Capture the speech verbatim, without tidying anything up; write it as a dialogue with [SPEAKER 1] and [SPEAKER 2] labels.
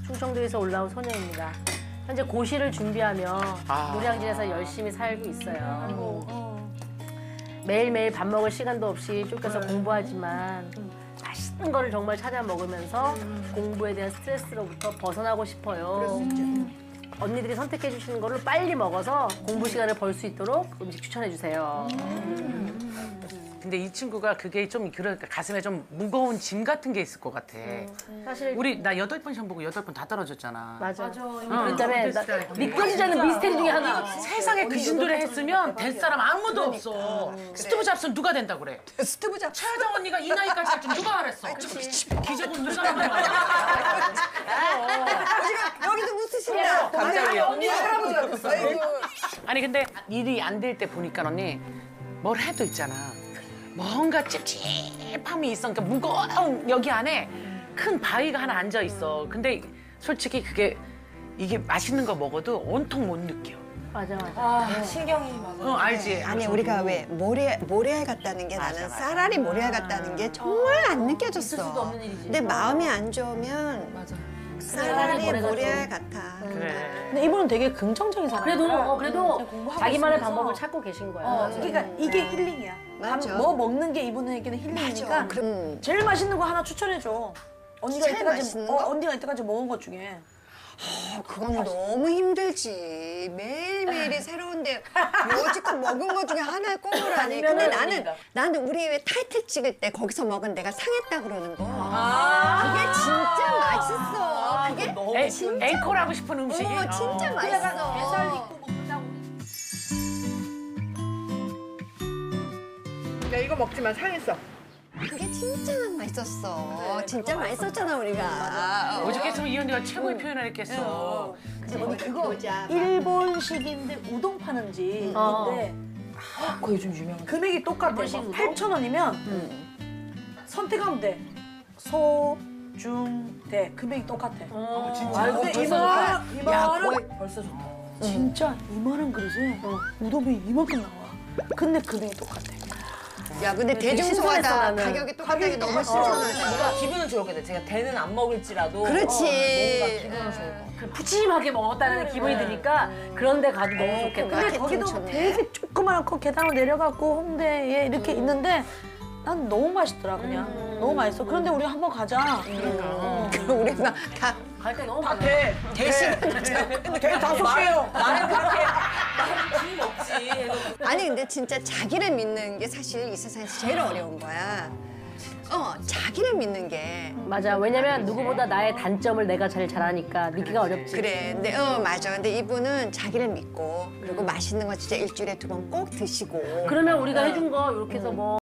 [SPEAKER 1] 충청도에서 올라온 소녀입니다. 현재 고시를 준비하며
[SPEAKER 2] 아.
[SPEAKER 1] 노량진에서 열심히 살고 있어요. 매일매일 밥 먹을 시간도 없이 쫓겨서 공부하지만 맛있는 거를 정말 찾아 먹으면서 공부에 대한 스트레스로부터 벗어나고 싶어요. 언니들이 선택해 주시는 거를 빨리 먹어서 공부 시간을 벌 수 있도록 음식 추천해 주세요.
[SPEAKER 2] 근데 이 친구가 그게 좀 그러니까 가슴에 좀 무거운 짐 같은 게 있을 것 같아.
[SPEAKER 1] 사실
[SPEAKER 2] 우리 나 여덟 번 시험 보고 여덟 번 다 떨어졌잖아.
[SPEAKER 1] 맞아.
[SPEAKER 3] 맞아.
[SPEAKER 1] 그다음에 나- 믿겨지지 않는 미스테리 중에 하나.
[SPEAKER 2] 세상에 그 진도를 했으면 될 사람 아무도 없어. 스티브 잡스는 누가 된다 그래?
[SPEAKER 4] 스티브 잡스.
[SPEAKER 2] 최하정 언니가 이 나이까지 할 줄 누가 알았어? 기적은 누가 만든 거야?
[SPEAKER 4] 여기도 웃으신다.
[SPEAKER 2] 갑자기요.
[SPEAKER 4] 언니 할아버지가 됐어. 아이고.
[SPEAKER 2] 아니 근데 일이 안 될 때 보니까 언니 뭘 해도 있잖아. 뭔가 찝찝함이 있어. 그러니까 무거운 여기 안에 큰 바위가 하나 앉아 있어. 근데 솔직히 그게 이게 맛있는 거 먹어도 온통 못 느껴.
[SPEAKER 1] 맞아 맞아.
[SPEAKER 3] 아, 신경이 맞아.
[SPEAKER 2] 어 알지?
[SPEAKER 4] 아니
[SPEAKER 2] 저도.
[SPEAKER 4] 우리가 왜 모래 모래알 같다는 게
[SPEAKER 2] 맞아,
[SPEAKER 4] 나는
[SPEAKER 2] 맞아.
[SPEAKER 4] 쌀알이 모래알 같다는 게 정말 안 느껴졌어.
[SPEAKER 1] 있을 수도 없는 일이지.
[SPEAKER 4] 근데 마음이 안 좋으면
[SPEAKER 3] 맞아.
[SPEAKER 4] 쌀알이
[SPEAKER 1] 모래가
[SPEAKER 4] 모래알 같아.
[SPEAKER 2] 그래.
[SPEAKER 5] 근데 이분은 되게 긍정적인 사람.
[SPEAKER 1] 그래도 어, 그래도
[SPEAKER 3] 공부하고
[SPEAKER 1] 자기만의
[SPEAKER 3] 있으면서.
[SPEAKER 1] 방법을 찾고 계신 거야.
[SPEAKER 5] 어, 그러니까 이게 힐링이야.
[SPEAKER 4] 맞아.
[SPEAKER 5] 밥 뭐 먹는 게 이분에게는 힐링이니까
[SPEAKER 4] 맞아. 그럼
[SPEAKER 5] 제일 맛있는 거 하나 추천해 줘. 언니가
[SPEAKER 4] 제일
[SPEAKER 5] 이때까지
[SPEAKER 4] 맛있는
[SPEAKER 5] 어,
[SPEAKER 4] 거?
[SPEAKER 5] 언니가 이때까지 먹은 것 중에.
[SPEAKER 4] 어, 그건 너무 힘들지. 매일매일이 새로운데 여지껏 먹은 것 중에 하나를 꼽으라니. 근데 나는 나는 우리 왜 타이틀 찍을 때 거기서 먹은 내가 상했다 그러는 거. 그게 진짜 맛있어. 그게
[SPEAKER 2] 에,
[SPEAKER 4] 진짜
[SPEAKER 2] 앵콜 하고 싶은 음식이.
[SPEAKER 4] 어, 진짜
[SPEAKER 2] 어.
[SPEAKER 4] 맛있어.
[SPEAKER 6] 나 이거 먹지만 상했어.
[SPEAKER 4] 그게 진짜 맛있었어. 진짜 맛있었잖아 우리가.
[SPEAKER 2] 오죽했으면 이 언니가 최고의 표현을 했겠어.
[SPEAKER 5] 근데 언니 그거 일본식인데 우동 파는 집.
[SPEAKER 1] 어.
[SPEAKER 5] 근데
[SPEAKER 3] 그거 요즘 유명한.
[SPEAKER 5] 금액이 똑같아.
[SPEAKER 1] 일본식 우동?
[SPEAKER 5] 팔천 원이면 선택하면 돼. 소, 중, 대. 금액이 똑같아.
[SPEAKER 1] 어,
[SPEAKER 5] 아, 근데
[SPEAKER 4] 벌써
[SPEAKER 5] 이만
[SPEAKER 4] 좋다.
[SPEAKER 5] 이만
[SPEAKER 4] 야,
[SPEAKER 5] 원
[SPEAKER 4] 거의-
[SPEAKER 3] 벌써 좋다.
[SPEAKER 5] 진짜 이만한 그릇에 우동이 이만큼 나와. 근데 금액이 똑같아.
[SPEAKER 4] 야 근데
[SPEAKER 1] 되게
[SPEAKER 4] 대중소화다
[SPEAKER 1] 신선했어, 나는.
[SPEAKER 4] 가격이 똑같다는 게 너무 신선하다.
[SPEAKER 3] 뭔가 기분은 좋겠네. 제가 대는 안 먹을지라도.
[SPEAKER 4] 그렇지.
[SPEAKER 3] 어, 뭔가 기분은 좋을 것 같아.
[SPEAKER 1] 그 푸짐하게 먹었다는 기분이 드니까 그런 데 가도 너무 좋겠다.
[SPEAKER 5] 근데
[SPEAKER 4] 마케팅
[SPEAKER 5] 거기도
[SPEAKER 4] 좋네.
[SPEAKER 5] 되게 조그만 거 계단으로 내려가고 홍대에 이렇게 있는데 난 너무 맛있더라 그냥. 너무 맛있어. 그런데 우리 한번 가자.
[SPEAKER 4] 그럼 우리 막다
[SPEAKER 1] 갈 때 너무 많아.
[SPEAKER 3] 대.
[SPEAKER 4] 대신
[SPEAKER 3] 근데 대 다섯 개요. 나는 그렇게. 나는 힘 없지.
[SPEAKER 4] 아니 근데 진짜 자기를 믿는 게 사실 이 세상에서 제일 어려운 거야. 어 자기를 믿는 게
[SPEAKER 1] 맞아. 왜냐면 누구보다 나의 단점을 내가 제일 잘하니까 믿기가 어렵지.
[SPEAKER 4] 그래. 근데 어 맞아. 근데 이분은 자기를 믿고 그리고 맛있는 거 진짜 일주일에 두 번 꼭 드시고.
[SPEAKER 1] 그러면 우리가 해준 거 이렇게 해서 뭐